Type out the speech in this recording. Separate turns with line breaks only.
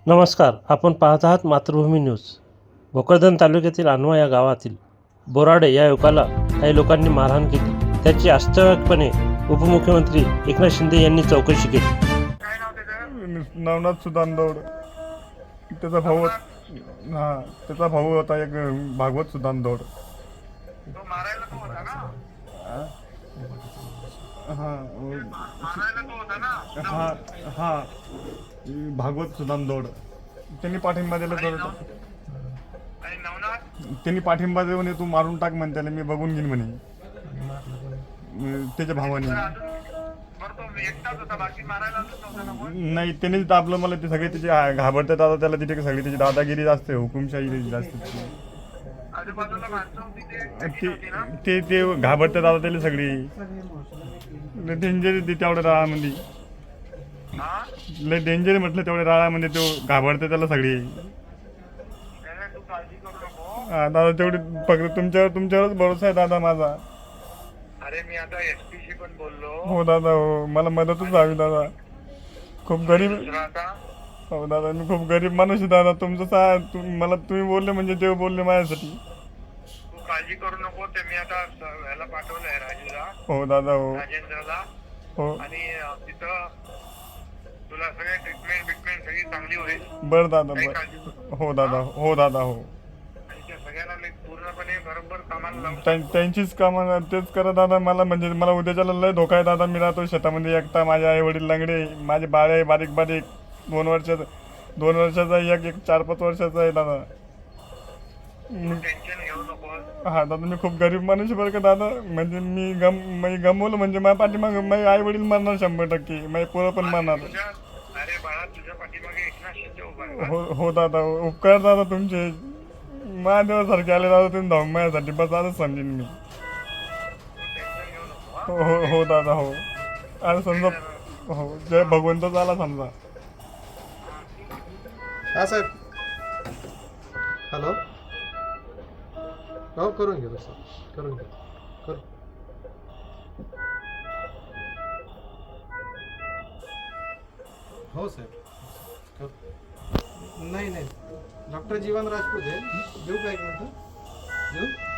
नमस्कार, आपण पाहत आहात मातृभूमी न्यूज. भोकरदन तालुक्यातील अनवा या गावातील बोराडे या युवकाला काही लोकांनी मारहाण केली. त्याची वास्तविकपणे उपमुख्यमंत्री एकनाथ शिंदे यांनी चौकशी केली.
नवनाथ सुदानदौड, त्याचा भाऊ त्याचा भाऊ होता एक भागवत सुदानदौड. भागवत सुदानदौड त्यांनी पाठिंबा दिला. त्यांनी पाठिंबा देऊ म्हणे, तू मारून टाक म्हणे त्याला, मी बघून घेईन म्हणे त्याच्या भावाने. नाही, त्यांनीच दाबलं मला. ते सगळे त्याचे घाबरतात आता त्याला. तिथे सगळी त्याची दादागिरी असते, हुकुमशाही जास्त. ते घाबरतात आता त्याला सगळी. डेंजर तेवढ्या राळामध्ये, लय डेंजर म्हटलं तेवढ्या राळामध्ये. तो घाबरते त्याला सगळी. दादा तेवढी फक्त तुमच्यावरच भरोसा आहे दादा माझा.
अरे मी आता एसपी शी पण बोललो.
हो दादा, हो, मला मदतच हवी दादा. खूप गरीब. हो दादा, मी खूप गरीब माणूस आहे दादा. तुमचं मला तुम्ही बोलले म्हणजे ते बोलले माझ्यासाठी.
तू काळजी करू नको. ते मी आता ह्याला पाठवलंय राजूला.
हो दादा, हो
राजेंद्रला.
हो.
आणि तिथं तुला सगळे ट्रीटमेंट सगळी चांगली होईल.
बरं दादा, बरं. हो दादा, हो दादा, हो.
आणि त्या सगळ्यांना पूर्णपणे बरोबर कामाला लावून
त्यांचीच कामं तेच करा दादा. मला म्हणजे मला उद्याच्याला लय धोका आहे दादा. मी राहतो शेतामध्ये एकटा. माझे आई वडील लंगडे, माझे बाळ आहे बारीक बारीक. 2 वर्षाचा एक 4-5 वर्षाचा आहे दादा.
टेन्शन घेऊ नको.
हा दादा, मी खूप गरीब माणूस आहे बरं का दादा. म्हणजे मी गमवलं म्हणजे माझ्या पाठीमागे माझे आई वडील मरणार 100%. माझे पोरं पण मरणार.
अरे बाळा, तुझ्या पाठीमागे एकनाथ शिंदे उभा आहे.
हो दादा, उपकार दादा तुमचे. महादेवासारखे आले दादा तुम्ही धावून माझ्यासाठी. बस आजच समजेन मी.
टेन्शन घेऊ नको.
हो दादा, हो. आणि समजा, हो, जय भगवंत आला समजा.
हा साहेब, हॅलो. हो, करून घेतो सर, करून घेतो. हो साहेब, नाही डॉक्टर जीवन राजपूत आहे. देऊ का एक मिनिट? देऊ.